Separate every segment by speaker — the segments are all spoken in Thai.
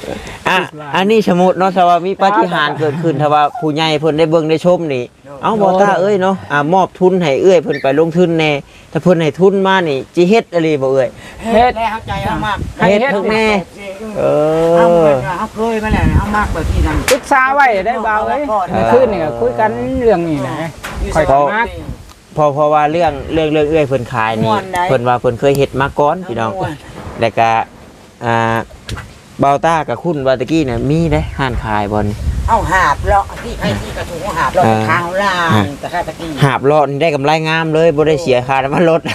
Speaker 1: อันนี้สมมุติเนาะถ้าว่ามีปาฏิหาริย์เกิดขึ้นถ้าว่าผู้ใหญ่เพิ่นได้เบิ่งได้ชมนี่เอาบ่ตาเอ้ยเนาะมอบทุนให้เอ้ยเพิ่นไปลงทุนแน่ถ้าเพิ่นให้ทุนมานี่จิเฮ็ดอะไรบ่เอ้ย
Speaker 2: เฮ็ดแล้วเข้าใจเอามาก
Speaker 1: เฮ็ดทุกแน่
Speaker 2: เอาเคยมาแล้วเอามากแบบที่นั่น
Speaker 3: ปรึกษาไว้ได้เบาเอ้ยคืนนี่ก็คุยกันเรื่องนี้นะค่อยมาก
Speaker 1: เพราะว่าเรื่องเอ้ยเพิ่นขายนี่เพิ่นว่าเพิ่นเคยเฮ็ดมาก่อนพี่น้องแล้วก็เบาต้ากับคุณวาตะกี้เนี่ยมีได้ห้านขายบอล
Speaker 2: เอาหาบเลาะที่ใครที่กระถุงหาบเลาะข้างล่างแต่ข้าตะกี้
Speaker 1: หาบเลาะนี่ได้กำไรงามเลยบ่ได้เสียค่าน้ำมันรถ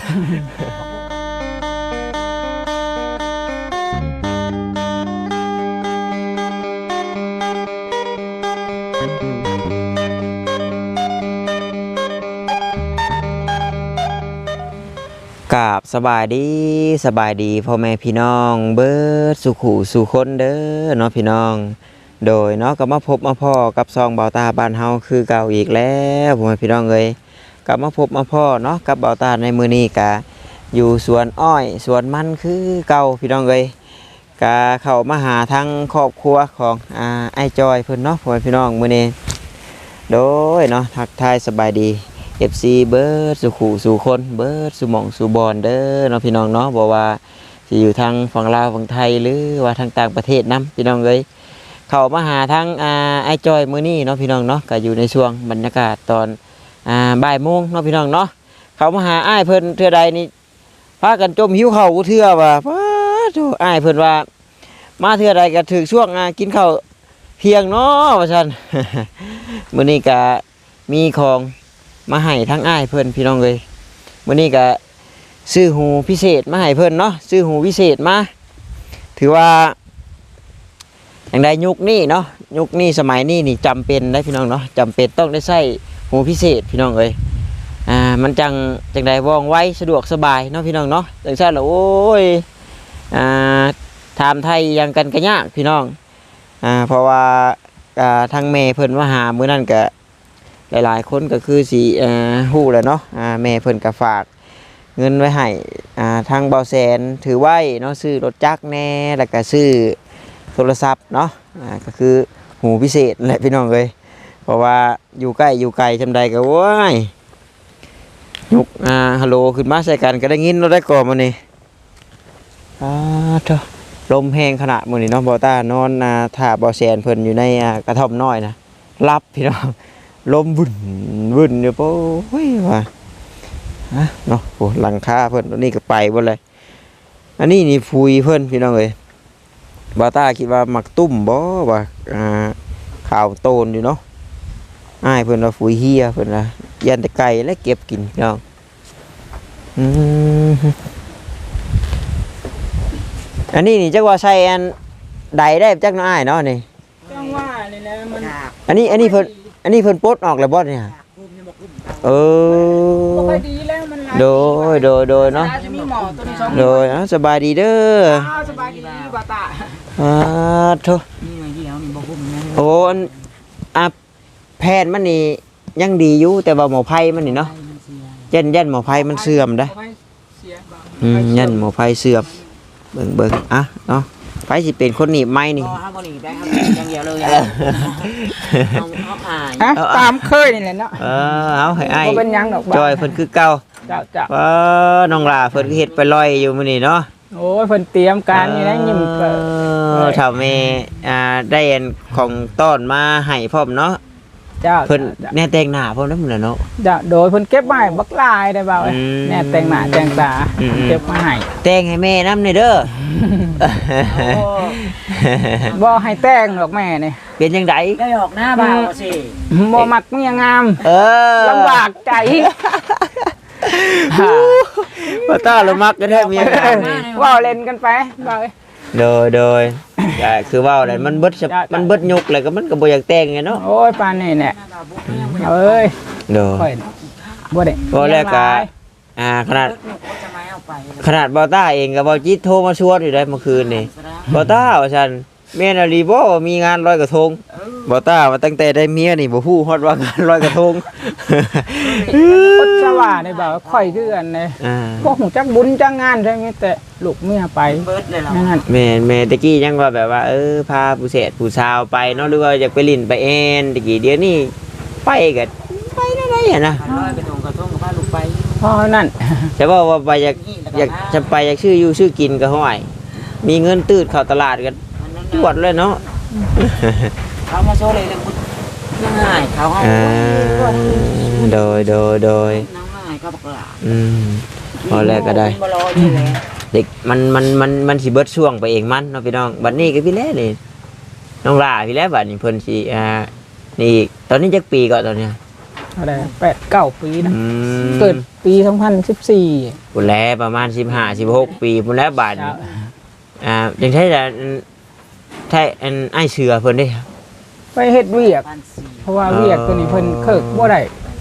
Speaker 1: กราบสบายดีพ่อแม่พี่น้องเบิดสุขุสู่คนเด้อเนาะพี่น้องโดยเนาะก็มาพบมาพ่อกับซองเบาตาบ้านเฮาคือเก่าอีกแล้วพ่อแม่พี่น้องเอ้ยกลับมาพบมาพ่อเนาะกับเบาตาในมื้อนี้กะอยู่สวนอ้อยสวนมันคือเก่าพี่น้องเอ้ยกะเข้ามาหาทางครอบครัวของไอ้จอยเพิ่นเนาะพ่อแม่พี่น้องมื้อนี้โดยเนาะทักทายสบายดีFC เบิร์ดสุขุสู่คนเบิร์ดสุหม่องสุบอนเด้อเนาะพี่น้องเนาะบอกว่าจะอยู่ทางฝั่งลาวฝั่งไทยหรือว่าทางต่างประเทศนํพี่น้องเอ้ยเข้ามาหาทางไอ้จอยมื้อนี้เนาะพี่น้องเนาะก็อยู่ในช่วงบรรยากาศตอนบ่ายโมงเนาะพี่น้องเนาะเข้ามาหาอ้ายเพิ่นเทื่อใดนี่พากันจมหิวข้าวกูเทื่อว่าป้าโธ่อ้ายเพิ่นว่ามาเทื่อใดก็ถึงช่วงกินข้าวเที่ยงเนาะว่าซั่น มื้อนี้ก็มีของมาให้ทั้งอ้ายเพิ่นพี่น้องเลยวันนี้ก็ซื้อหูพิเศษมาให้เพิ่นเนาะซื้อหูพิเศษมาถือว่าอย่างใดยุคนี้เนาะยุคนี้สมัยนี้นี่จำเป็นได้พี่น้องเนาะจำเป็นต้องได้ใช้หูพิเศษพี่น้องเลยมันจังใดว่องไวสะดวกสบายเนาะพี่น้องเนาะจังซั่นแล้วโอ้ยถามไทยยังกันก็ยากพี่น้องเพราะว่าทางแม่เพิ่นมาหามื้อนั้นก็หลายๆคนก็คือสิฮู้แหละเนาะแม่เพิ่นก็ฝากเงินไว้ให้ทางเบาแสนถือไว้เนาะซื้อรถจักรแน่แล้วก็ซื้อโทรศัพท์เนาะก็คือหูพิเศษแหละพี่น้องเอ้ยเพราะว่าอยู่ใกล้อยู่ไกลจำใดก็โว้ยยกฮัลโหลขึ้นมาใส่กันก็ได้ยินเราได้ก่อนมื้อนี้เถอะลมแห้งขนาดมื้อนี้เนาะบ่ต้านอนท่าเบาแสนเพิ่นอยู่ในกระท่อมน้อยนะรับพี่น้องลมวุ่นอยู่โอ้ยว่าเนาะโอ้หลังคาเพิ่นตัวนี้ก็ไปหมดเลยอันนี้นี่ฟุยเพิ่นพี่น้องเอ้ยบาต้าคิดว่ามักตุ้มบ่ว่าข่าวโตนอยู่เนาะอ้ายเพิ่นว่าฟุยเฮียเพิ่นว่ายันแต่ไก่และเก็บกินพี่น้องอันนี้นี่จักว่าใส่อันใดได้จักน้อยเนาะนี่
Speaker 3: จังว่านี่แหละมัน
Speaker 1: อันนี้เพิ่นปลดออกแล้วบ่เนี่ยบ่
Speaker 3: ค่อยดีแล้วมัน
Speaker 1: โดยเนาะโดยสบายดีเด้อ
Speaker 3: สบายดีบ่ตา
Speaker 1: โธ่โอ้แพทย์มันนี่ยังดีอยู่แต่ว่าหมอไผ่มันนี่เนาะยันหมอไผ่มันเสื่อมได้ยันหมอไผ่เสื่อมเบิ่งเนาะไผ่สิเป็นคนหนีบไม้นี่
Speaker 2: อย่างเดียวเลย
Speaker 3: ตามเคยนี่แหละเนาะ
Speaker 1: เอาให้อ้าย
Speaker 3: เป็นยังดอก
Speaker 1: จอยเพิ่นคือเก่า
Speaker 3: จ้ะ
Speaker 1: น้องหลาเพิ่นเฮ็ดไปลอยอยู่มื้อนี้เนาะ
Speaker 3: โอ้ยเพิ่นเตรียมการนี่นะยิ้ม
Speaker 1: เฒ่าแม่ได้อันของต้อนมาให้พร้อมเนาะเพิ่นแน่แต่งหน้าพร้อมนำเนาะ
Speaker 3: จ้ะโดยเพิ่นเก็บไว้บักลายได้เบาแน่แต่งหน้าแต่งตาเก็บมาให้
Speaker 1: แต่งให้แม่นำนี่เด้อ
Speaker 3: บ่ให้แต่งดอกแม่นี่
Speaker 1: เป็นจังได๋
Speaker 2: ได้ออกหน้าบ่าวสิ
Speaker 3: บ่มักเมียงามลำบากใจ
Speaker 1: บ่ต้าละมักก็แท้เมียงาม
Speaker 3: ว้าวเล่นกันไปเบา
Speaker 1: โดยคือว่าอะไรมันเบิดยุกเลยก็มันก็บ่อยากแต่งไงเนาะ
Speaker 3: โอ้ยปานนี่แหละเอ้ย
Speaker 1: โดย
Speaker 3: บ่ได้
Speaker 1: บ่แล้วก็ขนาดบ่ต้าเองก็บ่จิตโทรมาชวนอยู่ได้เมื่อคืนนี่บ่ต้าว่าซั่นแม่นอลีบ่มีงานลอยกระทงบ่ต้าว่าตั้งแต่ได้เมียนี่บ่ฮู้ฮอดว่างานลอยกระทง
Speaker 3: อดสว่าได้บ่าวค่อยคือกันเลย พวกหูจักบุญจักงานใช่ไหมแต่ลูกเมียไป
Speaker 2: เบิดเลยเหรอ
Speaker 3: นั่น
Speaker 1: แม่ตะกี้ยังว่าแบบว่าพาผู้เสพผู้สาวไปเนาะหรือว่าอยากไปลิ้นไปแอนตะกี้เดี๋ยวนี้ไปก็ไปได้ๆอ่ะนะ
Speaker 2: ร้อยกระทงกับพาลูกไป
Speaker 3: เพราะนั่น
Speaker 1: แต่ว่าไปอยากจะไปอยากชื่ออยู่ชื่อกินก็ห้อยมีเงินตืดเข้าตลาดกันตรวจเลยเนาะ
Speaker 2: เขามาโชว์เลยเรื่องบุญง่ายเขาให้
Speaker 1: โดย
Speaker 2: น้องง่ายก็บอกว่า
Speaker 1: พอแรกก็ได้
Speaker 2: บ่รออยู่แล้ว
Speaker 1: เด็กมันสิเบิดช่วงไปเองมันเนาะพี่น้องบัดนี้ก็พี่แล้นี่น้องลาพี่แล้บัดนี้เพิ่นสินี่อีกตอนนี้จักปีก่อนตอนเนี้ย
Speaker 3: อะไร8-9 ปีนะ
Speaker 1: อืม
Speaker 3: เกิดปี2014
Speaker 1: พุ่นแล้วประมาณ15 16ปีพุ่นแล้วบัดนี้จังได๋ล่ะไอ้เสือเพิ่นเด้
Speaker 3: ไปเฮ็ดเวียก
Speaker 2: บ้านสี่
Speaker 3: เพราะว่าเวียกตัวนี้เพิ่นเคิกบ่ได้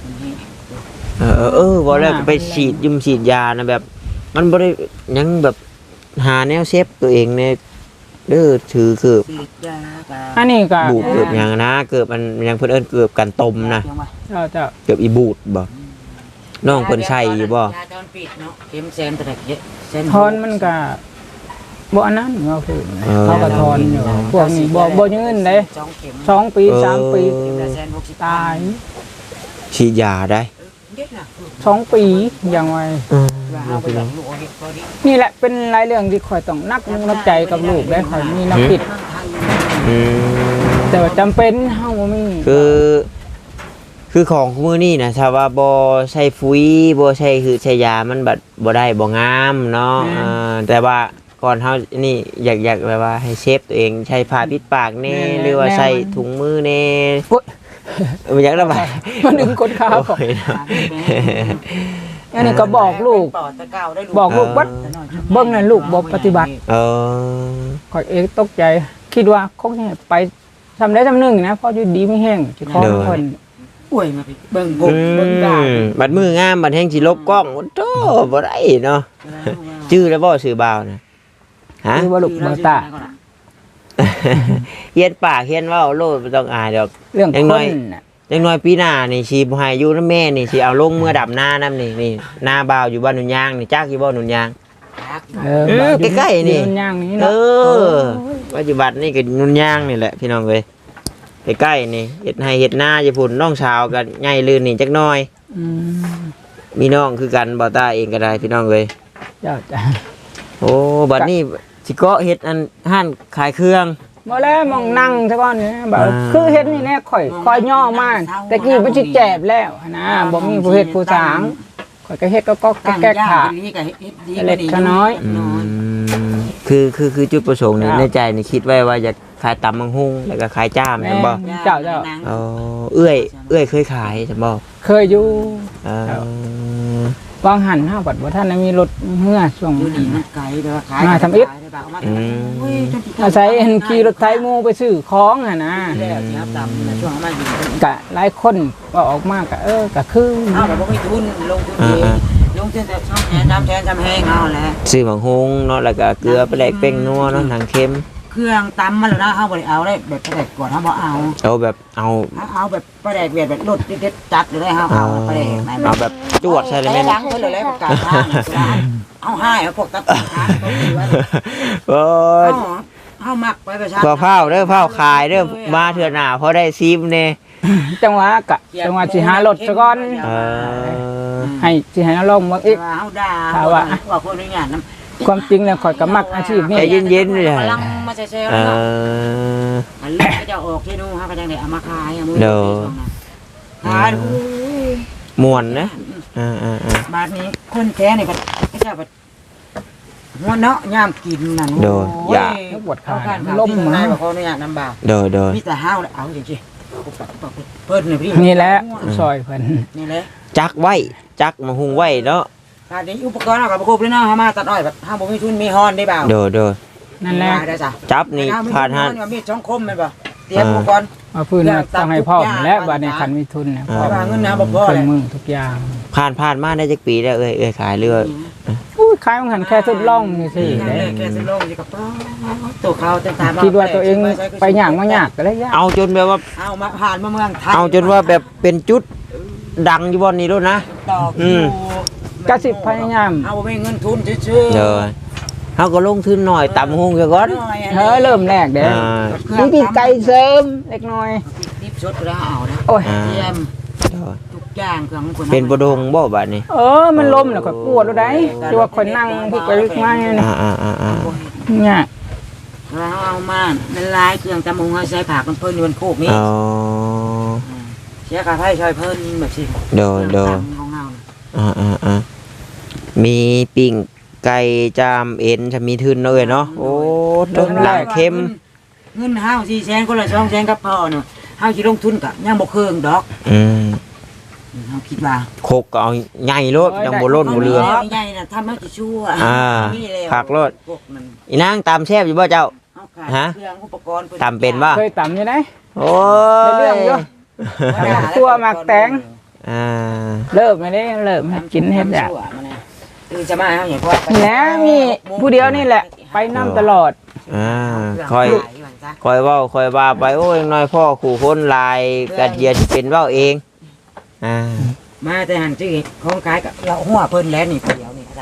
Speaker 1: บ่แล้วก็ไปฉีดยานะแบบ มันบ่ได้ยังแบบหาแนวเซฟตัวเองเนี่ยเด้อถือคือ
Speaker 2: สีดยากั
Speaker 3: อันนี้ก็
Speaker 1: บูดเกือบหยังนะเกือบมันยังเพิ่นเอิ้นเกือบกันตมนะ
Speaker 3: เจ้า
Speaker 1: เกือบอีบูดบ่น้องเพิ่นใช้อยู่บ่
Speaker 2: ยาตอนปิดเนาะเข็มแซนตะเด็กเส้น
Speaker 3: ทอนมันก็บ่อันนั้นเงาคือเขาก็ทอนอยู่พวกนี้บ่ยืนเด้
Speaker 2: 2 เข็ม
Speaker 3: 2 ปี 3 ปี
Speaker 2: เข็มละ160
Speaker 3: ตาย
Speaker 1: ฉีดยาได้
Speaker 2: เด็ดนะ
Speaker 3: 2 ปีอย่างไว
Speaker 2: เอาไปลองลูกเฮ็ดพอดี
Speaker 3: นี่แหละเป็นรายเรื่องที่ข่อยต้องนักนับใจกับลูกได้ข่อยมีน้ำผิด
Speaker 1: อืม
Speaker 3: แต่ว่าจำเป็นเฮาบ่มี
Speaker 1: คือของมื้อนี้นะถ้าว่าบ่ใช้ปุ๋ยบ่ใช้คือใช้ยามันบัดบ่ได้บ่งามเนาะแต่ว่าก่อนเฮานี่อยากแบบว่าให้เซฟตัวเองใช้ผ้าปิดปากแน่หรือว่าใส่ถุงมือแน่
Speaker 3: โอ๊ย
Speaker 1: อยากระบาย
Speaker 3: มันดึงคนขาของ
Speaker 1: โอ้ยเนาะ
Speaker 3: อันนี้ก็บอกลูก บอกลูกว่าเบิ่งนั่นลูกบ่ปฏิบัติ
Speaker 1: เออ
Speaker 3: ข่อยเองตกใจคิดว่าคงจะไปทำได้ทำหนึ่งนะเพราะอยู่ดีไม่แห้งสิขอเพิ่น
Speaker 2: ป่วยมาพี่เบิ่งกบเบิ่งดา
Speaker 1: บัดมืองามบัดแห่งสิลบกล้องโอ้โตบ่ได้เนาะชื่อแล้วบ่ชื่อบ่าวนะฮะ
Speaker 3: คือว่าลูกเบอร์ตา
Speaker 1: เฮียนปากเฮียนเว้าโลดบ่ต้องอายดอก
Speaker 3: เรื่อง
Speaker 1: ยัง
Speaker 3: ค
Speaker 1: น้อย
Speaker 3: นน่ะ
Speaker 1: จังน้อยปีหน้านี่สิบ่ให้อยู่นำแม่นี่สิเอาลงเมื่อดับหน้านำนี่หน้าบ่าวอยู่บ้านหนุนยางนี่จักอยู่บ่หนุนยาง ใกล้ๆนี่
Speaker 3: ยืย่างนี้
Speaker 1: เอ
Speaker 3: เนาะ
Speaker 1: อปัจจุบันนี่ก็หนุนยางนี่แหละพี่น้องเอ้ยใกล้ๆนี่เฮ็ดให้เฮ็ดนาอยู่พุ่นน้องชาวก็ใหญ่ลื่นนี่จักหน่อย
Speaker 3: ม
Speaker 1: มีน้องคือกันบ่ตาเองก็ได้พี่น้องเอ้ย
Speaker 3: เจ้าจ้ะ
Speaker 1: โอ้บัดนี้สิเกาะเฮ็ดอันห้านขายเครื่อง
Speaker 3: บ่แล้วมองนั่งซะก่อนนี่แบบ
Speaker 1: อ่า
Speaker 3: คือเฮ็ดนี่แน่ข่อยย่อมากแต่กี้มันสิแจบแล้วนะบ่มีผู้เฮ็ดผู้สางข่อยก็เฮ็ดก็แก้ขา
Speaker 2: นี่ก็เฮ็ดดี
Speaker 3: เล็กก็น้อย
Speaker 1: คือจุดประสงค์นี่ในใจนี่คิดไว้ว่าอยากขายตำมังหุงแล้วก็ขายจ้ามแม่นบ่
Speaker 3: เจ้า
Speaker 1: อ๋อเอื้อยเคยขายใช่บ่
Speaker 3: เคยอยู่
Speaker 1: เออ
Speaker 3: วางหันห้าบัดบ่ท่านได้มีรถเมื่อช่วง
Speaker 2: อยู่นี่มันไกลแต่ว่าขาย
Speaker 3: มาทำอิฐ
Speaker 2: อา
Speaker 3: อาศัยเห็นขี่รถไถหมู่ไปซื้อของอ่ะนะ
Speaker 2: แล้วที่ครับตำในช่วงมาอยู่
Speaker 3: กะหลายคนว่าออกมากะกะคือ
Speaker 2: เอาแบบบ่มีทุนลงทุนเองลงทุนแต่ช่องแทนจำแห้งเอาแหละ
Speaker 1: ซื้อมังหุงเนาะแล้วก็เกลือไปแลกเป้งนัวเนาะหนังเค็ม
Speaker 2: เครื่องตำมันแล้วนะเฮาบ่ได้เอาได้แบบประแดกก่อนเฮาบ่เอา
Speaker 1: เอาแบบเอา
Speaker 2: เอาแบบประแดกเวียดแบบรถเด็ดๆจัดเลยเฮาเอาประแดกไหน
Speaker 1: เอาแบบจวดใช่เลย
Speaker 2: แม่
Speaker 1: แม่น
Speaker 2: ดังเพิ่นเลยประกาศทางเอาให้เอาพวกตัดทางตัวนี้ว่า
Speaker 1: โอ้ย
Speaker 2: เฮามักไปประชา
Speaker 1: พอเผาเด้อเผาขายเด้อมาเถื่อหน้าพอได้ซิมเน่
Speaker 3: จังหวะสิหารถซะก่อน
Speaker 1: เออ
Speaker 3: ให้สิให้ลงมาอีก
Speaker 2: เฮาด่าว่าคนนี้งานนำ
Speaker 3: ความจริงแล้วข่อยก็มักอาชีพนี้
Speaker 1: ใจเย็นๆเลย
Speaker 2: กำลังมาแซ่ๆ
Speaker 1: เอ
Speaker 2: แล้วเนาะ
Speaker 1: อ
Speaker 2: อันนี้ก็จะออกที่นู่นเฮาก็จังได้เอามาขายเอามือ
Speaker 1: เด้อ
Speaker 2: ขาย
Speaker 1: ม่วนนะ
Speaker 2: บาทนี้คนแท้นี่ก็จะแบบหัวเนาะยามกินนั่น
Speaker 1: โดยอย่า
Speaker 3: ปวดขา
Speaker 2: ล้
Speaker 3: ล้
Speaker 2: ม
Speaker 3: ม
Speaker 2: มา
Speaker 3: มา
Speaker 2: บ่ขออนุญาตนำบ่าว
Speaker 1: โดย
Speaker 2: มีแต่ห้าวเอาจริงๆเพิ่นนี่พี่
Speaker 3: นี่แหละซอยเพิ่น
Speaker 2: นี่แหละ
Speaker 1: จักไว้จักมาหุงไว้เนาะ
Speaker 2: บาทนี้อุปกรณ์เอากับประกบเลยเนาะเฮามาตัดอ้อยแบบเฮาบ่มีทุนมีฮอนได้บ่าว
Speaker 1: โดย
Speaker 3: นั่นแหละ
Speaker 2: ได้จ้ะ
Speaker 1: จับนี่ขาดหัน
Speaker 2: มีดช่องคมแม่นบ่เตรียมอุปกรณ์
Speaker 3: มาพื้นมาต้องให้พ่อและบัดนี้คันมีทุนนะพ่อ
Speaker 2: ว่าเงินนะบ่พอ
Speaker 3: เค
Speaker 2: เล
Speaker 3: รื่
Speaker 2: ย
Speaker 3: องมือทุกอย่าง
Speaker 1: ผ่านมาได้จักปีแล้วเอ้ยขายเรือ
Speaker 3: อุ้ยขายมันหันแค่ทดลองนี่สิ
Speaker 2: นั่น
Speaker 3: เด้
Speaker 2: แหละแค่สิลงอยู่กับตัวเขาแต่ตาม
Speaker 3: คิดว่าตัวเองไปหยางมายากก็เลยยาก
Speaker 1: เอาจนแบบว่า
Speaker 2: เอามาผ่านมาเมืองไทย
Speaker 1: เอาจนว่าแบบเป็นจุดดังอยู่บนนี้แล้วนะ
Speaker 2: ตอก
Speaker 1: อืม
Speaker 3: กะสิพยายาม
Speaker 2: เอาไม่เงินทุนชื่อ
Speaker 1: เด้อเฮาก็ลงทุนหน่อยตำหุงซะก่อน
Speaker 3: เริ่มแรกเด้
Speaker 1: อ่า
Speaker 3: นี่ปีกไก่เสริมเล็กน้อย
Speaker 2: นิบชดแล้วเอานะ
Speaker 3: โอ้ย
Speaker 1: อ่า
Speaker 2: เยี่ยม
Speaker 1: เด้อ
Speaker 2: ทุกอย่างเครื่องคน
Speaker 1: เป็นบ่ดงบ่บัดนี้
Speaker 3: มันล้มแล้วก็ปวดแล้วได้ที่ว่าคนนั่งพลิกไปพลิกมาเนี่ย
Speaker 1: อ่า
Speaker 3: เนี่ย
Speaker 2: เราเอามาเป็นลายเครื่องตำมงเอาใช้ผักมันเพิ่นอยู่บนโคกนี้
Speaker 1: อ๋อ
Speaker 2: เสียค่าไฟช่วยเพิ่นแบบสิ
Speaker 1: โดย
Speaker 2: ของเรา
Speaker 1: มีปิ่งไก่จามเอ็นจะมีทุนเลยเนาะโอ้ต้นหลังเค็ม
Speaker 2: เงินห้าว400,000คนละ200,000กับพ่อเนาะห้าวสิลงทุนกะยังบ่เคืองดอก
Speaker 1: อืม
Speaker 2: เฮาคิดว่า
Speaker 1: โคกก็เอาใหญ่รถยังบ่ล้นบ่เรือ
Speaker 2: ใหญ่น่ะทำให้สิชั่ว
Speaker 1: ผักรถ
Speaker 2: พวกมัน
Speaker 1: อีนางตามแซ่บอยู่บ่เจ้า
Speaker 2: เอาขาย
Speaker 1: ฮะ
Speaker 2: เครื่องอุปกรณ์
Speaker 1: ตำเป็นบ่
Speaker 3: เคยต่ำอยู่ไหน
Speaker 1: โอ้
Speaker 3: เรื่องเยอะ ตัวหมักแตง
Speaker 1: อ่า
Speaker 3: เริ่มไม่ได้เริ่มกินเฮ็ดอ่ะ
Speaker 2: คือจะมาเฮาอย่างว่า
Speaker 3: แล้วมีผู้เดียวนี่แหละ ไปนํตลอด
Speaker 1: ค่อยเว้าค่อยว่าไปโอ้ยน้อยพ่อขู่คนหลายกัดเหยียดสิเป็นเว้าเอง
Speaker 2: มาแต่หันชื่อของขายกับเราหัวเพิ่นแล้วนี่เดียวนี่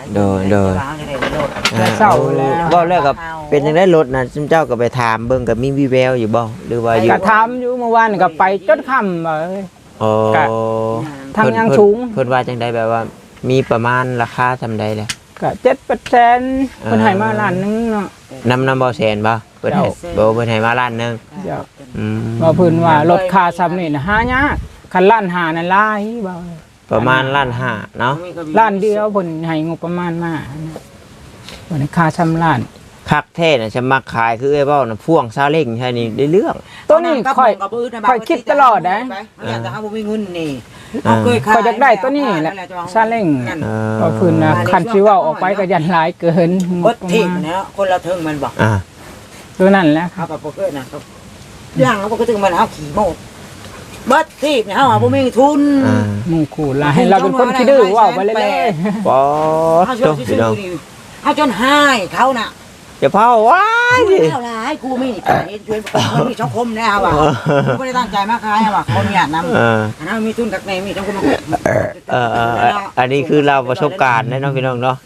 Speaker 3: เศร้าแล้ว
Speaker 1: เว้าแล้วก็เป็นจังได๋รถน่ะซุมเจ้าก็ไปถามเบิ่งก็มีวิแววอยู่บ่หรือว่าอยู่
Speaker 3: ก็ทำอยู่เมื่อวานก็ไปจนค่ำเลย
Speaker 1: โอ้
Speaker 3: ทางยังสูง
Speaker 1: เพิ่นว่าจังไดแบบว่า มีประมาณราคาซำใดแหละ
Speaker 3: ก็7%เพิ่นให้มาล้านนึงเนาะ
Speaker 1: นำบ่แสนบ่เพิ่นให้บ่เพิ่นให้มาล้านหนึง
Speaker 3: เดี๋ยว
Speaker 1: อืม
Speaker 3: ว่าเพิ่นว่ารถค่าซ้ำนี่น่ะหายากคันล้านหานั่นหลายบ่
Speaker 1: ประมาณล้านห้าเนาะ
Speaker 3: ล้านเดียวเพิ่นให้งบประมาณมาวันค่าซ้ำล้าน
Speaker 1: คักแท้น่ะจะมักขายคือไอ้เว้าน่ะพ่วงซาเล้งใช่นี่ได้เรื่อง
Speaker 3: ตัวนี้ค่อยคิดตลอดนะ
Speaker 2: อยากจะเอาบ่มีเงินนี่
Speaker 3: ก็อยากได้ตัวนี้แหละซาเล้งก็เพิ่นน่ะคันสิเว้าออกไปก็ยันหลายเกินง
Speaker 2: เบิ
Speaker 3: บ
Speaker 2: ด
Speaker 3: ประ
Speaker 2: ที
Speaker 3: มาณ
Speaker 2: นะคนละเทิงมันบอก
Speaker 3: ตัวนั้นแหละค
Speaker 2: เขา
Speaker 3: รับ
Speaker 2: กับโปเกอร์นะครับย่างเขาก็ถึงมันเอาขี่โมดเบิดทีเนี่ยเขาบ่มีทุน
Speaker 3: หมู่คู่หลายให้เราเป็นคนขี้ดื้อเว้าไปเรื่อย
Speaker 1: ป๊อด
Speaker 2: เขาช
Speaker 1: โต
Speaker 2: วน
Speaker 1: พี่
Speaker 2: ซื้
Speaker 1: น้อง
Speaker 2: อนี่เขาจนหายเขาน่ะ
Speaker 1: อย่าเผาว้ายดิ
Speaker 2: เท่าไรกูไม่นี่เห็นชวนมันมีช่องคมแน่ว่ะกูไม่ได้ตั้งใจมาขายว่ะคนอยากนำอันนั้นมีทุนกับในมีช่องคม
Speaker 1: อันนี้คือเราประสบการณ์นะน้องพี่น้องเนาะ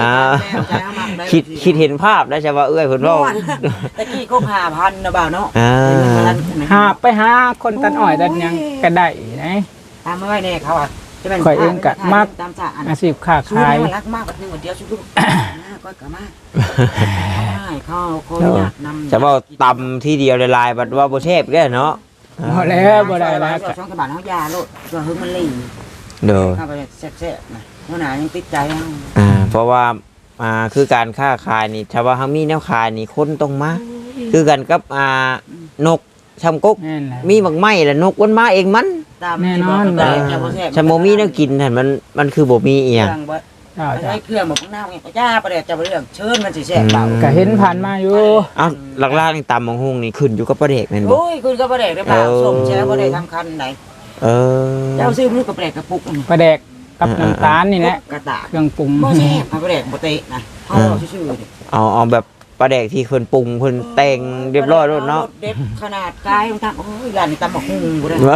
Speaker 1: คิดเห็นภาพได้ใช่ว่าเอ้ยเพิ่นเว้า
Speaker 2: ตะกี้เขา5,000นะบ่าวเนาะ
Speaker 3: ๆหาไปหาคนตัดอ้อยตัดหยังก็ได้นะ
Speaker 2: ตามมาไว้แน่เขาอ่ะจะเป็นตามจ่า
Speaker 3: อาชีพค้า
Speaker 2: ขาย
Speaker 3: ขาย
Speaker 2: รักมากแบบนึงเดียวชุดก็กะมากเขาอยากนำ
Speaker 1: จะว่าตำที่เดียวลายๆบัดว่าบ่แซ่บแก่เนาะ
Speaker 3: บ่แล้วบ่ได้แล้ว
Speaker 2: ช่องกระบาดเขายาโลดตัวหึงมันลิ่ง
Speaker 1: เด้อ
Speaker 2: เข้าไปแซ่บๆนะหัวหน้ายังติดใจ
Speaker 1: เพราะว่าคือการค้าขายนี่ถ้าว่าเฮามีแนวขายนี่คนต้องมาคือกันกับนกชำกก
Speaker 3: แม่นแหละ
Speaker 1: มีบักไม้แล้วนกมันมาเองมัน ชำบ่มีแนวกินนั่นมันคือบ่มีอีหยัง
Speaker 2: ใช้เครื่องแบบน้าไงจ้าประเดี๋ยวจะเรื่องเชิญมันสิแซ่บเปล่า
Speaker 3: ก็เห็นผ่านมาอยู่
Speaker 1: เอ้าหลักๆนี่ตำบักหุ่งนี่ขึ้นอยู่กับประเดกแม่นบ่
Speaker 2: โอ้ยคุณก็ประเดี๋ยวได้เปล่าสมแช่ประเดี๋ยวทำคันไหน
Speaker 1: เออ
Speaker 2: เจ้าซื้อมือกระเปรกกระปุก
Speaker 3: ปลาแดกกับน้ำตาลนี่แหละ
Speaker 2: กระตา
Speaker 3: เครื่องปรุง
Speaker 2: บ่แซ่บประเดี๋ยวบ่เตะนะเขาชื่อๆดิ
Speaker 1: เอาแบบประเดกที่เพิ่นปรุงเพิ่นแต่งเรียบร้อยแล้วเนาะ
Speaker 2: เด็ดขนาดกายของทางโอ้ยร้านนี้ตำบักหุ่งบ่ได้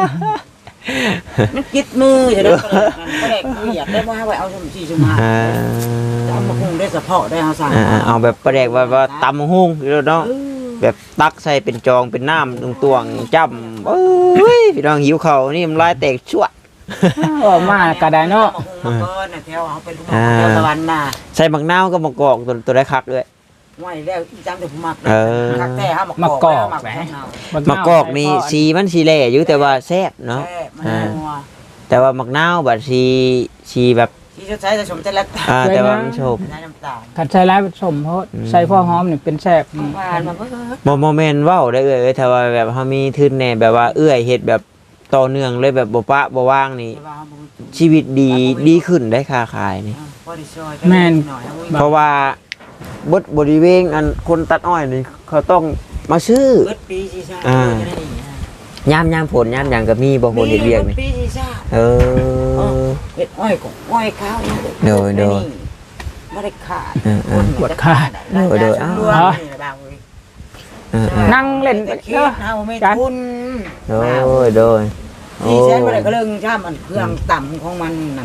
Speaker 2: มันกิดมือจะได้ประเดี๋ยวอยากได้ว่าไว้เอาชม4ชม5ตำบักหุ่งได้เฉพาะได้เฮาสั่ง
Speaker 1: เอาแบบประเดกว่าตำบักหุ่งเนาะแบบตักใส่เป็นจองเป็นน้ำตวงๆจ้ำเอ้ยพี่น้องหิวข้าวนี่มันลายแตกชั่ว
Speaker 3: ว่ามาก็ได้เนาะ
Speaker 2: มาก่อนแถวเอาเป็นลูกแถวตะวันน่ะ
Speaker 1: ใส่บักนาวก็มะกอกตัวได้คักด้วย
Speaker 2: ไว้แล้วอีจังแต่ผู้มัก
Speaker 1: เออ
Speaker 2: คักแท้เฮามาม
Speaker 3: ะกอก
Speaker 2: แห
Speaker 3: แห
Speaker 2: ม
Speaker 3: ม
Speaker 1: มะกอกนี่สีมันสีแหล่อยู่แต่ว่าแซ่บเนาะ แต่ว่ามักนาวบัดสีแบบ
Speaker 2: ที่จะใช้จะชมแต่ละ
Speaker 1: แต่ว่ามันชม
Speaker 2: น้ำตาล
Speaker 3: คันใช้ร้ายผสมเพราะใส่พ่อหอมนี่เป็นแซ่บ
Speaker 2: หวานมาเบิ่ง
Speaker 1: โมเมนต์เว้าได้เอ้ยถ้าว่าแบบเฮามีทุนแน่แบบว่าเอื้อยเฮ็ดแบบต่อเนื่องเลยแบบบ่ปะบ่ว่างนี่ชีวิตดีขึ้นได้ค้าขายนี่ เพราะว่าบริเวณอันคนตัดอ้อยนี่เขาต้องมาซื้อ
Speaker 2: เบิดปีสิซ่าย
Speaker 1: ามผลยามหยังก็มีบ่ผลเฮ็ดเวียกนี่
Speaker 2: ปีสิซ่า
Speaker 1: เออ
Speaker 2: เฮ็ดอ้อยก็อ้อยข้าวบ่ได้ขาด
Speaker 3: ปวดขาด นั่งเล่น
Speaker 2: แต่
Speaker 3: ไป
Speaker 2: คิดเฮาไม่ทุน
Speaker 1: โดย
Speaker 2: ที่แสนบ่ได้ก็เรื่องชามันเครื่องต่ำของมันนั่น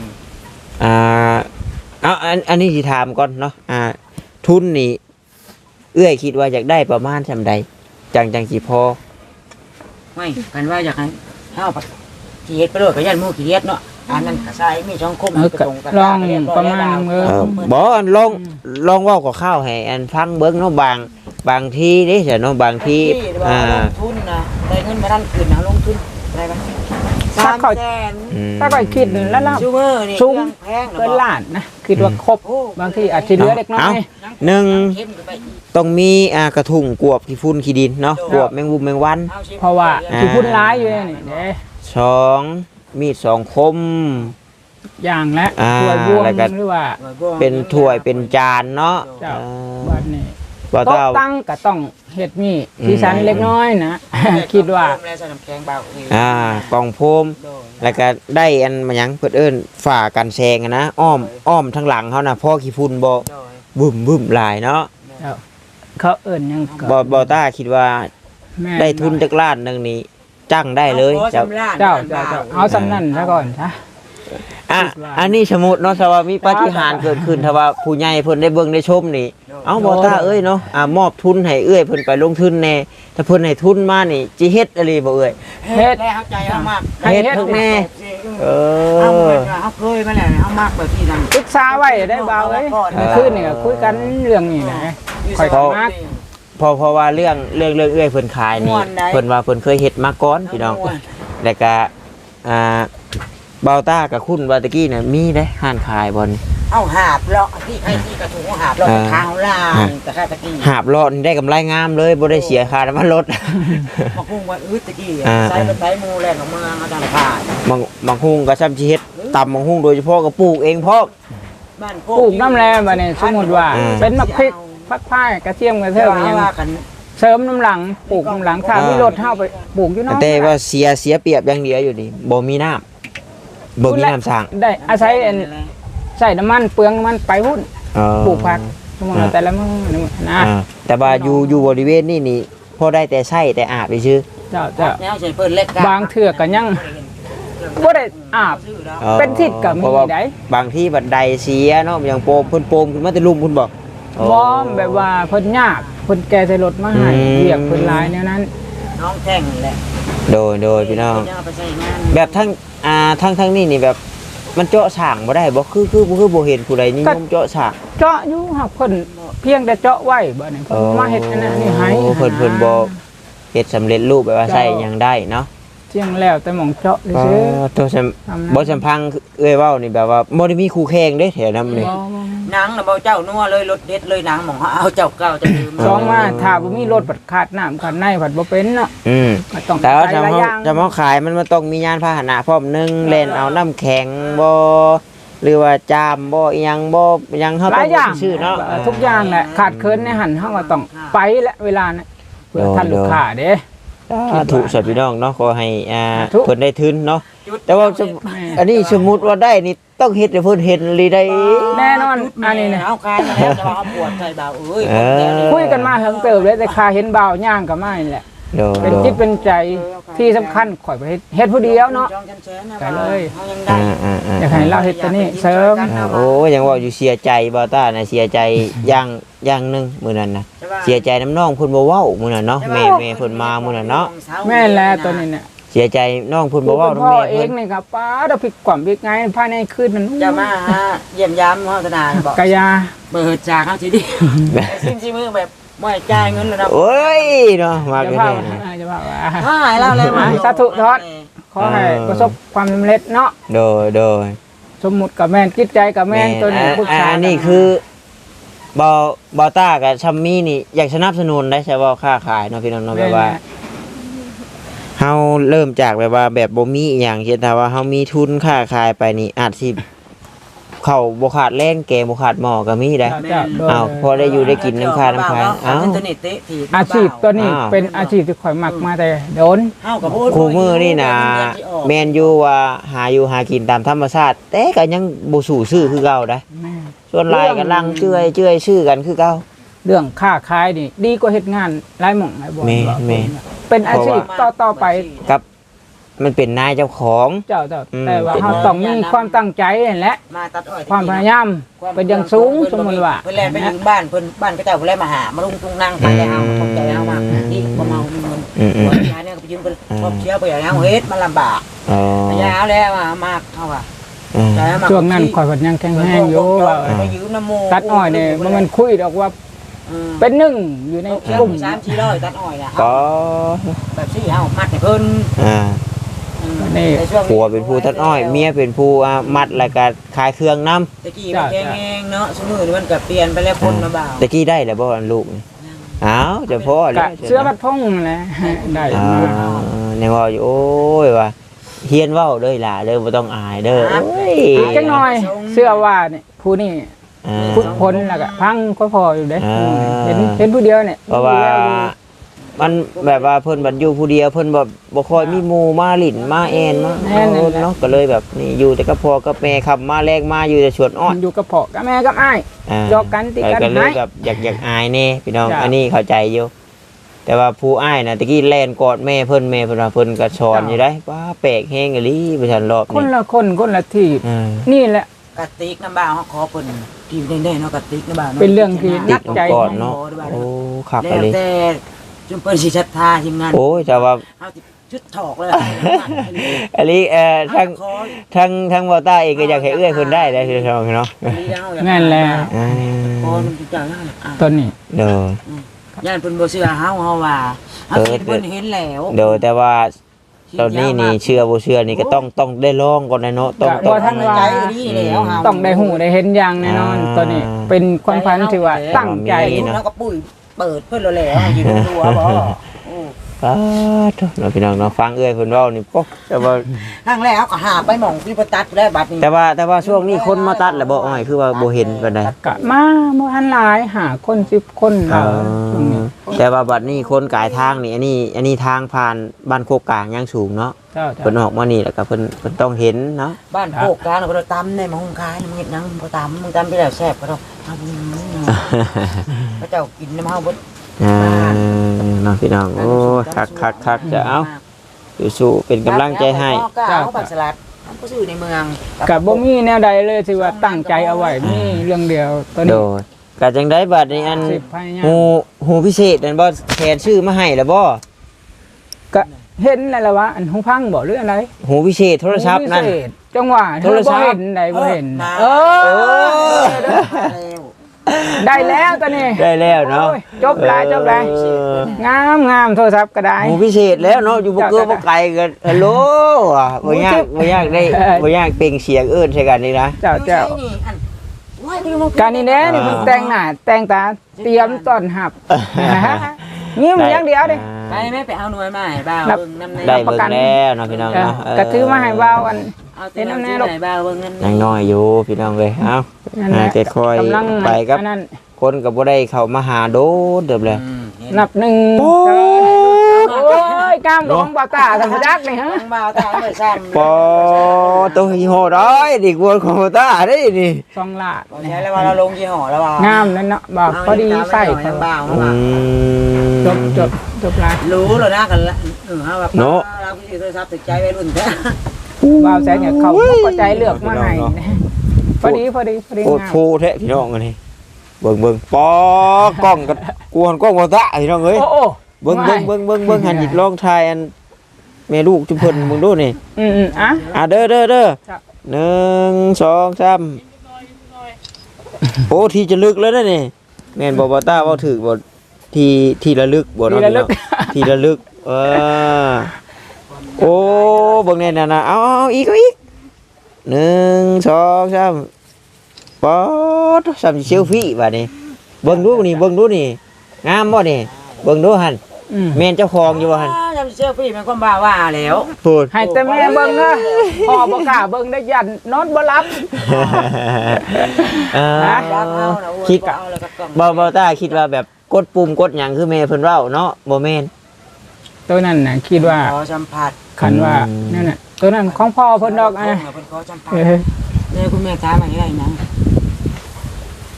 Speaker 1: เอาอันนี้สิถามก่อนเนาะทุนนี่เอื้อยคิดว่าอยากได้ประมาณซำใดจังสิพอ
Speaker 2: ไม่กันว่าอยากให้เฮาสิเฮ็ดไปโลดก็ยันหมู่ขี้เฮ็ดเนาะอันนั้นก็ใช้มีช่องคม
Speaker 3: ก็ลองประมาณ
Speaker 1: บ่ลองเว้ากับข้าวให้อันฟังเบิ่งเนาะบางทีเด้เนาะบางที
Speaker 2: ลงทุนนะได้เงินมาทันคืนนะลงทุนอะไรบ้าง
Speaker 3: ถ้าก็คิดแล้วล่ะ
Speaker 2: ซูเปอร์นี่
Speaker 3: ซุ้มเกินล้านนะคิดว่าครบบางทีอาจจะเหลือเล็กน้อย
Speaker 1: ต้องมีกระถุงกวบขี้ฝุ่นขี้ดินเนาะกวบแมงมุมแมงวัน
Speaker 3: เพราะว่าขี้ฝุ่นร้ายอยู่นี่เด้
Speaker 1: 2มีด2คม
Speaker 3: อย่างและถ้วยบวงหรือว่า
Speaker 1: เป็นถ้วยเป็นจานเนาะ
Speaker 3: บัดนี้โต๊ะตั้งก็ต้องเฮ็ดมีสีสันเล็กน้อยนะคิดว่าก
Speaker 1: ล่องโฟมแล้วก็ได้อันมาหยังเพิ่นเอิ้นฝากันแซงนะอ้อมทั้งหลังเฮาน่ะพอขี้ฝุ่นบ่บึ้มหลายเนาะ
Speaker 3: เขาเอิ้นหยัง
Speaker 1: บ่ต้าคิดว่าได้ทุนจักล้านนึงนี่จังได้เลย
Speaker 3: เจ้าเอาสำนั้นซะก่อนซะ
Speaker 1: อันนี้สมมุติเนาะถ้าว่ามีปาฏิหาริย์เกิดขึ้นถ้าว่าผู้ใหญ่เพิ่นได้เบิ่งได้ชมนี่เอาบ่ต้าเอ้ยเนาะมอบทุนให้เอ้ยเพิ่นไปลงทุนแน่ถ้าเพิ่นให้ทุนมานี่จิเฮ็ดอะไรบ่เอ้ย
Speaker 2: เฮ็ดแล้วใจเฮามาก
Speaker 1: เฮ็ดทุกแน่
Speaker 2: เอาเคยมาแล้วเฮามากแบบที่นั่น
Speaker 3: ปรึกษาไว้ได้บ่าวเอ้ยคืนนี่ก็คุยกันเรื่องนี้นะค่อยมาก
Speaker 1: เพราะว่าเรื่องเอ้ยเพิ่นขายนี่เพิ่นว่าเพิ่นเคยเฮ็ดมาก่อนพี่น้องแล้วก็เบาต้ากับคุณวาตะกี้น่ะมีได้ห้านขายบ่นี่
Speaker 2: เอาหาบเลาะที่ใครที่กระถุงหาบเลาะทางล่างแต่ค่าตะกี้
Speaker 1: หาบเลาะนี่ได้กำไรงามเลยบ่ได้เสียค่าน้ำมันรถ
Speaker 2: มาคุ้งว่าตะกี้ใส่เป็นไถหมู่แล่นออกมาเอาดังขาย
Speaker 1: บางคุ้งก็ซ้ำสิเฮ็ดตำบางคุ้งโดยเฉพาะก็ปลูกเองพร้อม
Speaker 3: บ้านปลูกน้ำแลบัดนี้สมมุติว่าเป็นมะพริกผักพายกระเทียมกระเทียมหยังเสริมน้ำหลังปลูกน้ำหลังถ้ามีรถเฮาไปปลูกอยู่เนาะ
Speaker 1: แต่ว่าเสียเปรียบอย่างเดียวอยู่นี่บ่มีน้ำบ่มีน้ำสร้าง
Speaker 3: ได้อาศัยใส่น้ำมันเปลืองน้ำมันไปหุ้นปลูกผักสมมุติแต่ละมื้อนะ
Speaker 1: แต่ว่าอยู่บริเวณนี่พอได้แต่ใช้แต่อาบซื่อ
Speaker 3: เจ้าบางเทื่อก็ยังบ่ได้อาบเป็นทิศก็มีได้
Speaker 1: บางที่บันไดเสียเนาะอย่างโปมเพิ่นโปมขึ้นมาแต่ลุ่มเพิ่นบอก
Speaker 3: บ่แบบว่าเพิ่นยากเพิ่นแก่ใส่รถมาให้เรียกเพิ่นหลายแนวนั้น
Speaker 2: น้องแท่งแหละ
Speaker 1: โดยพี่น้องแบบทั้งนี่แบบมันเจาะฉางบ่ได้บ่คือบ่เห็นผู้ใดนิยมเจาะฉาง
Speaker 3: เจาะอยู่หักเพิ่นเพียงแต่เจาะไว้บ่นี่เพิ่นมาเฮ็ดอันนั้นนี่ให้
Speaker 1: เพิ่นบ่เฮ็ดสำเร็จรูปแบบว่าใช้หยังได้เนาะ
Speaker 3: เจียงแล้วแต่หม่องเจาะซื่อ
Speaker 1: ตัวบ่สัมพังเอ้ยเว้านี่แบบว่าบ่ได้มีคู่แข่งเด้แถวนั้นนี่
Speaker 2: นางน่ะบ่เจ้านัวเลยรถเด็ดเลยนางหม่องเอาเจ้าเก่าจะลืม
Speaker 3: สองมาถ้าบ่มีรถบัดขาดน้ำขาดในบัดบ่เป็นเนาะ
Speaker 1: ต้องแต่ว่าจะมาขายมันต้องมียานพาหนะพร้อมนึงเล่นเอาน้ำแข็งบ่หรือว่าจามบ่อีหยังบ่ยังเฮาต้องชื่อเนาะ
Speaker 3: ทุกอย่างแหละขาดเคินในหันเฮาก็ต้องไปและเวลานั้นเพื่อทันลูกค้าเด้
Speaker 1: ถูกสัตว์พี่น้องเนาะขอให้เพิ่นได้ทุนเนาะแต่ว่าอันนี้สมมุติว่าได้นี่ต้องเฮ็ดให้เพิ่นเห็นเลยได้
Speaker 3: แน่นอนอันนี้
Speaker 2: เนี่ยเอาคายมาแล้วแต่ว่าเอาปวดใจเบาเอ้ย
Speaker 3: คุยกันมาถึงเติบเลยแต่คาเห็นเบาย่างก็ไม่แหละเป็นจิตเป็นใจที่สำคัญข่อยไปเฮ็ดผู้เดียวเนาะกันเลยอยากให้เราเฮ็ดตัวนี้เสริม
Speaker 1: โอ้ยังว่าอยู่เสียใจบ่ต้าน่ะเสียใจอย่างนึงมื้อนั้นน่ะเสียใจน้ำน้องเพิ่นบ่เว้ามื้อนั้นเนาะแม่เพิ่นมามื้อนั้นเนาะ
Speaker 3: แม่แลตัวนี้เนี่ย
Speaker 1: เสียใจน้องเพิ่นบ่เว้า
Speaker 3: พ่อเองนี่ครับป้าเราผิดความผิดไงภายในคืนนั้น
Speaker 2: จะมาเยี่ยมยามเฮาธนาบอก
Speaker 3: กะยา
Speaker 2: เปิดจากเฮาสิดิซิมมือแบบไม่จ่ายเงินแล้วนะ
Speaker 1: โอ้ยเนาะมา
Speaker 3: กัน
Speaker 1: แน่
Speaker 3: จะว่า
Speaker 2: หายแล้วเลย
Speaker 3: สาธุทอดขอให้ประสบความสำเร็จเนาะ
Speaker 1: โดย
Speaker 3: สมมุติกับแม่นจิตใจกับแม่นตัวนี้
Speaker 1: ปรึกษานี่คือบอต้ากับชัมมี่นี่อยากสนับสนุนได้ใช่บ่ค้าขายเนาะพี่น้องเนาะแบบว่าเฮาเริ่มจากแบบว่าแบบบ่มีอีหยังเช่นถ้าว่าเฮามีทุนค้าขายไปนี่อาจสิเข้าบ่ขาดแรงแกงบ่ขาดหม้อก็มีได้พอได้อยู่ได้กินน้ำค้าน้ำขาย
Speaker 3: อาชีพตัวนี้เป็นอาชีพที่ข่อยมักมาแต่โดน
Speaker 1: คู่มือนี่นะแม่นอยู่ว่าหาอยู่หากินตามธรรมชาติแต่ก็ยังบ่สู้ซื้อคือเก่าได้ส่วนหลายก็ลังเจื่อยชื่อกันคือเก่า
Speaker 3: เรื่องค้าขายนี่ดีกว่าเฮ็ดงานหลายหม่องหลายบ่
Speaker 1: แม่
Speaker 3: เป็นอาชีพต่อไป
Speaker 1: กับมันเป็นนายเจ้าของ
Speaker 3: เจ้าแต่ว่าเราต้องมีความตั้งใจนั่นแหละ
Speaker 2: มาตัดอ้อย
Speaker 3: ความพยายามเป็นอย่างสูงสมมุติว่า
Speaker 2: เพิ่นแลไปถึงบ้านเพิ่นบ้านก็เจ้าเพิ่นแลมาหามาลุงตุงนั่งไปแล้วเอาตกใจเอามานี่บ่เมาเงินหัวยาเนี่ยก็ไปยืมเพิ่นครอบเชียวไปอย่างเฮ็ดมันลำบาก
Speaker 1: อ๋อย
Speaker 2: าแล้วมากเฮาว่า
Speaker 3: ช่วงนั้นข่อยก็ยังแข็งแรงอยู่ว่า
Speaker 2: ไปยืมน้ำโม
Speaker 3: ตัดอ้อยเนี่ยมันคุยดอกว่าเป็นหนึ่งอยู่ในกลุ่ม
Speaker 2: 3-400ตัดอ้อยน่ะ
Speaker 1: ก็
Speaker 2: แบบสิเฮามัดให้เพิ่น
Speaker 3: นี่
Speaker 1: ผัวเป็นผู้ตัดอ้อยเมียเป็นผู้มัดแล้วก็ขายเครื่องน้ำ
Speaker 2: ตะกี้มันแข็งๆเนาะสมื้อนี้มันก็เปลี่ยนไปแล้วคนมาบ่าว
Speaker 1: ตะกี้ได้แล้วบ่อันลูกนี่อ้าวเจะพ่อเล
Speaker 3: กะ
Speaker 1: ย
Speaker 3: เสื้อบัดพงแหละได้
Speaker 1: ในว่าอยู่โอ้ยว่าเฮียนเว้าเลยล่ะเด้อบ่ต้องอายเด้อโอ้ย
Speaker 3: จังหน่อยเสื้อว่าเนี่ยผู้นี่พุทธพลแล้วก็พังก็พออยู่เด้เห็นผู้เดียวเนี่ย
Speaker 1: เพราะว่ามันแบบว่าเพิ่นบัดอยู่ผู้เดียวเพิ่นบ่ค่อยมีหมู่มาหลินมาแอนมาเนาะก็เลยแบบนี่อยู่แต่กับพ่อกับแม่ขับมาแลกมาอยู่แต่ชวนอ้อน
Speaker 3: อยู่กับพ่อกับแม่กับอ้ายยอกกันติกัน
Speaker 1: ก็เลย
Speaker 3: ให้
Speaker 1: แบบอยากอายแน่พี่น้อง
Speaker 3: จ้ะ
Speaker 1: อันนี้เข้าใจอยู่แต่ว่าผู้อ้ายน่ะตะกี้แล่นกอดแม่เพิ่นว่าเพิ่นก็สอนอยู่ได้ว่าแปลกแฮงอีหลีประชันรอบ
Speaker 3: คน
Speaker 1: นี้
Speaker 3: ละคนคนละที่
Speaker 1: อ่า
Speaker 3: นี่แหละ
Speaker 2: กระติกน้ำบ่าวเฮาขอเพิ่นที่แน่ๆเนาะกระติกน้ำบ่าว
Speaker 3: เป็นเรื่องที่
Speaker 1: ติดน้ำก่อนเนาะโอ้คัก
Speaker 2: แล้
Speaker 1: อะ
Speaker 2: ว
Speaker 1: ไร
Speaker 2: แต่จุมเปิ้นสิศรัทธาทีมงาน
Speaker 1: โอ้ยแต่ว่า
Speaker 2: เฮาสิชุดถอกเลย
Speaker 1: อันนี้ทั้งบ่ต้าเองก็อยากให้เอื้อยเพิ่นได้ได้พี่น้องเนาะ
Speaker 3: แม่นแล้ว
Speaker 1: อ่า
Speaker 2: พอมันจังนั้น
Speaker 3: ต้นนี้
Speaker 1: เด้อย่
Speaker 2: านเพิ่นบ่เชื่อเฮาว่าเฮาเห็นเพิ่นเห็นแล้ว
Speaker 1: เด้อแต่ว่าตอนนี้นี่เชื่อบ่เชื่อนี่ก็ต้องได้ลองก่อนนะเนาะต้อง
Speaker 3: ว่าท่านว่า
Speaker 2: ใจดีแล้วเฮา
Speaker 3: ต้องได้หูได้เห็นอย่างแน่นอนตัวนี้เป็นความพันที่ว่าตั้งใจ
Speaker 2: แล้วก็ปุ้ยเปิดเพิ่นแล้วอยู่ในตัวบ่
Speaker 1: ป้าดเนาะพี่น้องเนาะฟังเอื้อยเพิ่นเว้านี่ปุ๊บแต่ว่า
Speaker 2: ครั้งแรกเฮาก็หาไปหม่องที่บ่ตัดแล้วบัดนี้
Speaker 1: แต่ว่าช่วงนี้คนมาตัดแล้วบ่อ้อยคือว่าบ่เห็นปานใด
Speaker 3: กะมาบ่ทันหลายหาคน10คนเราช่วงนี้
Speaker 1: แต่ว่าบัดนี้คนกายทางนี่อันนี้ทางผ่านบ้านโคกกลางยังสูงเนาะ
Speaker 3: เจ้า
Speaker 1: เพิ่นออกมานี่แล้วก็เพิ่นต้องเห็นเนาะ
Speaker 2: บ้านโคกกลางเราตำในมองคายมึงเฮ็ดหยังบ่ตำมึงตำไปแล้วแซ่บก็ต้องเฮาบ่พระเจ้ากินน้ำเฮาบ่
Speaker 1: น้องพี่น้องโอ้คักจะเอาสู้ๆเป็นกำลังใจให้
Speaker 2: เจ้าบักสลัดมันก็ซื้อในเมือง
Speaker 3: กะบ่มีแนวใดเลยที่ว่าตั้งใจเอาไว้มีเรื่องเดียวตัว
Speaker 1: โด
Speaker 3: นี้
Speaker 1: ยก็จังได้บัดนี้อัน
Speaker 3: สิบพยายาม
Speaker 1: หูพิเศษนั่นบ่แทนชื่อมาให้แล้วบ่
Speaker 3: ก็เห็นแล้วล่ะว่าอันหูพังบ่หรืออะไร
Speaker 1: หูพิเศษโทรศัพท์นั่น
Speaker 3: พิเศษจังหวะ
Speaker 1: โทรศัพท์
Speaker 3: บ่เห็นใดบ่เห็น
Speaker 2: เออ
Speaker 3: ได้แล้วตัวนี้
Speaker 1: ได้แล้วเนาะ
Speaker 3: โอ้ยจบหลาย งามโทรศัพท์ก็ได้
Speaker 1: หูพิเศษแล้วเนาะอยู่บ่เกือบ่ไกลกันฮัลโหลบ่ยากบ่ยากได้บ่ยากเปล่งเสียงเอิ้นใส่กันนี่นะ
Speaker 3: เจ้าการนี่แน่นี่เพิ่นแต่งหน้าแต่งตาเตรียมต้อนรับยิ้มอย่างเดียวดิ
Speaker 2: ไปแม่ไปเอาหน่วยมาให้บ่าวเบิ่งน้ำใน
Speaker 1: ได้เบิ่งแล้วเนาะพี่น้องเนาะ
Speaker 3: ก็ถือมาให้ว่าวอัน
Speaker 2: เอาแต่น้ำในลูกบ่าวเบิ่งนั่น
Speaker 1: ยังน้อยอยู่พี่น้องเอ้ยเอ้า
Speaker 3: นั่นแหละ
Speaker 1: จะคอย
Speaker 3: กำลัง
Speaker 1: ไปกับ
Speaker 3: อันนั้น
Speaker 1: คนก็บ่ได้เข้ามาหาโดดเดิมเลย
Speaker 3: นับหนึ่งโอ้ยกล้ามของบ่าวตาธรรมจักนี่ฮะ
Speaker 2: บ่าวตาไม่ซ้ำ
Speaker 1: ปอตัวฮีโร่ร้อยดิกวนของตาได้นี่
Speaker 3: สองลาด
Speaker 2: ใช่แล้วว่าเราลงยี่ห้อแล้วว่าง
Speaker 3: ามนั่นเนาะบ่าวพอดีใส่
Speaker 2: ทางบ่าว
Speaker 1: อืม
Speaker 3: จบลาย
Speaker 2: รู้แล้วนะกันละฮะแบบเราคือโทรศัพท์ติดใจวัยรุ่นแท้
Speaker 3: บ่าวแสงเนี่ยเขาก็ใจเลือกมาให้พอดี
Speaker 1: โอ้
Speaker 3: งาม
Speaker 1: โหแท้พี่น้องอันนี้เบิ่งปอกล้องกับกวนกล้องบ่ตาพี่น้องเอ้ย
Speaker 3: โอ้
Speaker 1: เบิ่งหันหยิบลองทายอันแม่ลูกจุเพิ่นมึงดูนี่
Speaker 3: อ่ะ
Speaker 1: อ่ะเด้อ
Speaker 3: ครับ
Speaker 1: 1 2 3โอ้ที่จะลึกแล้วนะนี่แม่นบ่ตาเว้าถูกบ่ที่ระลึกบ่เนาะที่ระลึกโอ้เบิ่งแน่น่ะเอาอีก1 2 3ป๊อดซ้ำเซลฟี่บัดนี้เบิ่งดูนี่งามบ่นี่เบิ่งดูหั่นแม่นเจ้าของอยู่บ่หั่น
Speaker 2: จำเชื่อพี่มันก็บ้าว่าแล้ว
Speaker 1: พูด
Speaker 3: ให้แต่แม่เบิ่งนะพ่อบ่กล้าเบิ่งได้ยันนอนบ่หลับ
Speaker 1: คิดบ่ตาคิดว่าแบบกดปุ่มกดหยังคือแม่เพิ่นเว้าเนาะบ่แม่น
Speaker 3: ตัวนั้นน่ะคิดว่า
Speaker 2: ขอสัมผัส
Speaker 3: คันว่านั่นน่ะตัวนั้นของพ่อเพิ่นดอกอ่ะ
Speaker 2: เพิ่นขอสัมผัสเนี่ยคุณแม่ถามอะไรนะ
Speaker 1: อืม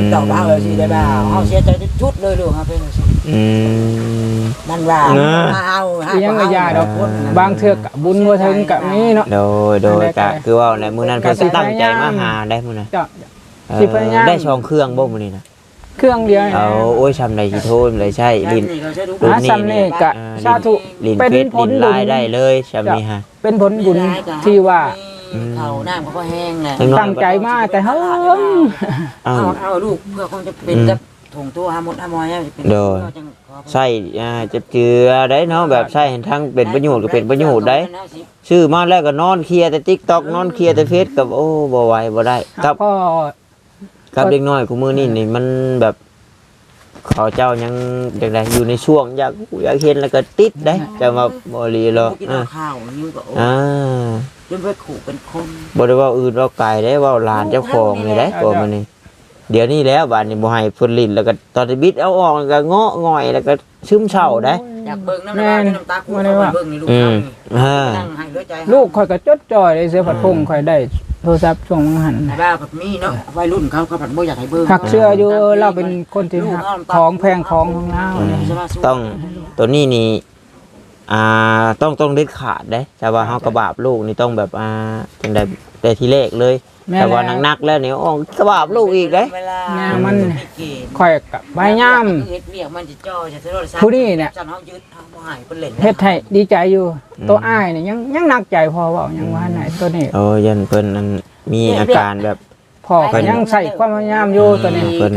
Speaker 2: ตอบเอาเลยสิได้บ่าวเฮาเสียใจชุดเลยลูกครับเป็นสิมันว่าเอา
Speaker 3: ยังก็ยาดอกบางเทื่อก็บุญบ่ถึงก็มีเนาะ
Speaker 1: โดยก็คือว่าในมื้อนั้นเพิ่นก็ตั้งใจมาหาได้มื้อนั้น
Speaker 3: สิพยายาม
Speaker 1: ได้2เครื่องบ่มื้อนี้นะ
Speaker 3: เครื่องเดียว
Speaker 1: เอาโอ้ยชำได้สิโทนเลยใช่ลิ้น
Speaker 3: รุ่นนี้ก็สาธุ
Speaker 1: เป็นผลบุญได้เลยชำนี้ฮะ
Speaker 3: เป็นผลบุญที่ว่า
Speaker 2: เขาน้ำเขาก็แห้งแหละ
Speaker 3: ตั้งใจมาแต่เฮา
Speaker 2: เอาลูกเพื่อคงจะเป็นกับถุงตัวหามดหามอยเป็น
Speaker 1: โดยใช่จะเจือได้เนาะแบบใช่เห็นทั้งเป็นประโยชน์ก็เป็นประโยชน์ได้ชื่อมาแล้วก็นอนเคลียร์แต่ TikTok นอนเคลียร์แต่เฟซกับโอ้บ่ไหวบ่ได้กับเด็กน้อยกูมือนี่มันแบบเขาเจ้ายังจังไดอยู่ในช่วงอยากเห็นแล้วก็ติดได้จะมาบ่รีหรอก
Speaker 2: ข้าวหิวก็จนไปขู่เป็นคน
Speaker 1: บ่ได้ว่าอื่นว่าไกลได้ว่าหลานเจ้าของนี่ได้ตัวมันนี่เดี๋ยวนี้แล้วบ้านนี้บ่ให้เพิ่นลิ้นแล้วก็ตอนบิดเอาออกแล้วก็เงาะง่อยแล้วก็ซึมเศร้าได้
Speaker 2: อยากเบิ่งน้ำตาคู่เบิ่งนี่ลูกนั่งให้ด้วยใจ
Speaker 3: ลูกข่อยก็จดจ่อยได้เสือผัดพงข่อยได้โทรศัพท์ช่วงหัน
Speaker 2: บ้าผัดมีเนาะวัยรุ่นเขาผัดบ่อยากให้เบิ่ง
Speaker 3: หักเชื่ออยู่เราเป็นคนที่ของแพงของเรา
Speaker 1: ต้องตัวนี้นี่ต้องเด็ดขาดได้แต่ว่าเฮากระบาบลูกนี่ต้องแบบจังได๋แต่ทีแรกเลยแต่ว่านักๆแล้วนี่อ้อกระบาบลูกอีกเด้
Speaker 3: มันค่อยกับพยายาม
Speaker 2: เฮ็ดเวียกมันจะจ่อจะ
Speaker 3: ผู้นี้เนี่ย
Speaker 2: จันเฮายึดเฮาบ่ให้เพิ่นเล่น
Speaker 3: เฮ็ดให้ดีใจอยู่ตัวอ้ายนี่ยังหนักใจพอเว้ายังว่าไหนตัวนี้
Speaker 1: ยันเพิ่นมีอาการแบบ
Speaker 3: พ่อก็ยังใส่ความพยายามอยู่ตัวนี้
Speaker 1: เพิ่น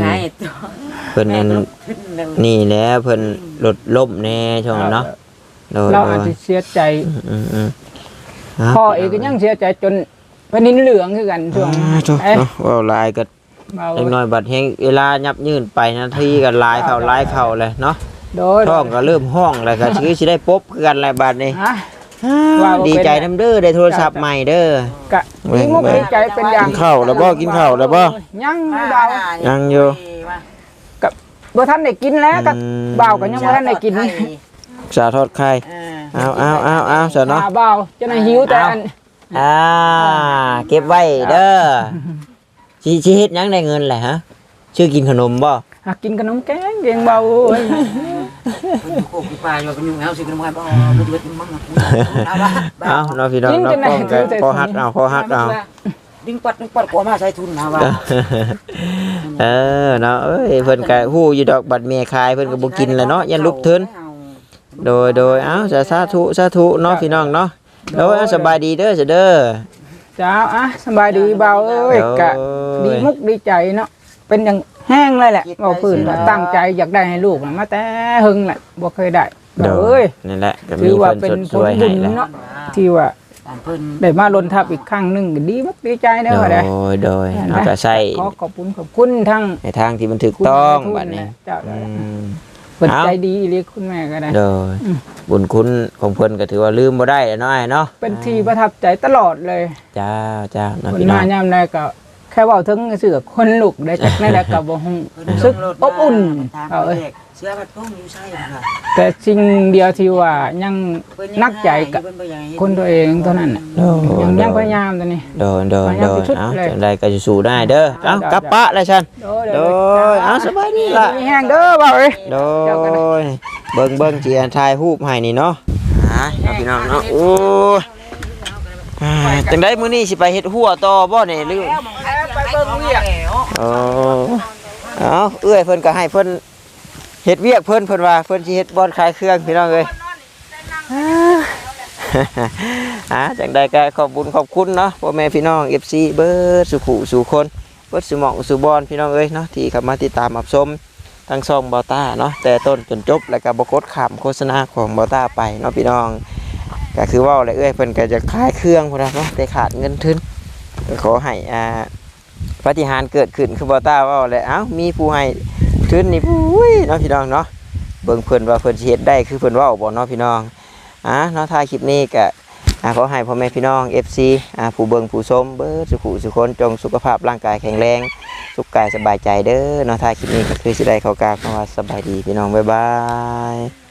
Speaker 1: นี่แหละเพิ่นลดล้มแน่ช่วงเนาะ
Speaker 3: เราอาจจะเสียใจพ่อเองก็ยังเสียใจจนเป็นนิ้นเหลืองคือกันช่วง
Speaker 1: ว่าลายก็เล็กน้อยบัดเฮงเวลายับยืนไปนาทีก็ลายเข่าเลยเนาะท้องก็เริ่มห้องแล้วก็ชื่อสิได้ปุ๊บคือกันหลายบาทนี่ดีใจน้ำเด้อได้โทรศัพท์ใหม่เด้อกะ
Speaker 3: ดีใจเป็นอย่าง
Speaker 1: กินข้าวแล้วบ่กินข้าวแล้วบ่
Speaker 3: ยังดาว
Speaker 1: ยังอยู่
Speaker 3: กับบ่ทันได้กินแล้วกับบ่าวก็ยังบ่ทันได้กิน
Speaker 1: ชาทอดไข่เอาซะเนาะ
Speaker 3: บ่าวจะน่ะหิวแต่
Speaker 1: เก็บไว้เด้อสิเฮ็ดยังได้เงินแหละฮะชื่อกินขนมบ่
Speaker 3: กินขนมแกงเก่งเบาโอ้ย
Speaker 2: โคกปลาอยู่กันอยู่แล้วสิขนมบ่บ่เดือดมั่ง
Speaker 1: เอาเนาะพี่น้องเนาะพอฮักเอา
Speaker 2: ดึงปัดกว่ามาใช้ทุนนะว่า
Speaker 1: เนาะเพิ่นก็ฮู้อยู่ดอกบัดเมียขายเพิ่นก็บ่กินแล้วเนาะยันลุกทึนโดยสาธุเนาะพี่น้องเนาะโดยสบายดีเด้อเด้อ
Speaker 3: จ้าสบายดีเบาเอ้ยกะดีมุกดีใจเนาะเป็นอย่างแห้งเลยแหละเอาฝืนตั้งใจอยากได้ให้ลูกมาแต่หึงแหละบ่เคยได้เอ้ย
Speaker 1: นี่แหละ
Speaker 3: ถือว่าเป็นผลบุญเนาะที่ว่าได้มาลนทับอีกครั้งนึงก็ดีมุกดีใจเด้อได้
Speaker 1: โดยเอาก็ใส่
Speaker 3: ขอบคุณทั้ง
Speaker 1: ในทางที่มันถูกต้องบัดนี้
Speaker 3: เปิดใจดีเรียกคุณแม่ก็ได้
Speaker 1: บุญคุณของเพิ่นก็ถือว่าลืมบ่ได้แล้วเนาะเนาะ
Speaker 3: เป็นที่ประทับใจตลอดเลย
Speaker 1: จ้า
Speaker 3: พี่น้องยามใดก็แค่เว้าถึงเสือคนลุกได้จักนั่นแหละก็บ่ฮู้สึกอบอุ่น
Speaker 2: เสื้อผัดพงอยู่ใช่ค่ะ
Speaker 3: แต่สิ่งเดียวที่ว่ายังนักใจกับคนตัวเองเท่านั้นยังพยายามตัวนี้
Speaker 1: โดยจังไดก็สู้ได้เด้อเอ้ากลับปะแล้วฉันโดยสบายดีล่ะ
Speaker 3: แห้งเด้อบ่เอ้ย
Speaker 1: โดยเบิ่งสิถ่ายรูปให้นี่เนาะพี่น้องเนาะโอ้จังได๋มื้อนี้สิไปเฮ็ดหัวต่อบ่นี่หรือ
Speaker 3: ไปเบิ่งเวียก
Speaker 1: เอื้อยเพิ่นก็ให้เพิ่นเฮ็ดเวียกเพิ่นว่าเพิ่นสิเฮ็ดบ่อนขายเครื่องพี่น้องเอ้ยจังใดก็ขอบคุณเนาะพ่อแม่พี่น้อง FC เบิดสุขุสู่คนเบิดสุหม่องสุบอนพี่น้องเอ้ยเนาะที่เข้ามาติดตามรับชมทั้งช่องบ่าวต้าเนาะแต่ต้นจนจบแล้วก็บ่กดข้ามโฆษณาของบ่าวต้าไปเนาะพี่น้องก็คือว่าเอ้ยเพิ่นก็จะขายเครื่องพุ่นเนาะแต่ขาดเงินทุนขอให้ปาฏิหาริย์เกิดขึ้นคือบ่าวต้าว่าแล้วมีผู้ให้ทุนนี่ปุ้ยเนาะพี่น้องเนาะเบิ่งเพิ่นว่าเพิ่นสิเฮ็ดได้คือเพิ่นเว้าบ่เนาะพี่น้องเนาะท้ายคลิปนี้ก็ขอให้พ่อแม่พี่น้อง FC ผู้เบิ่งผู้ชมเบิดสุขคนจงสุขภาพร่างกายแข็งแรงสุขกายสบายใจเด้อเนาะท้ายคลิปนี้ก็คือสิได้เข้ากราบว่าสบายดีพี่น้องบ๊ายบาย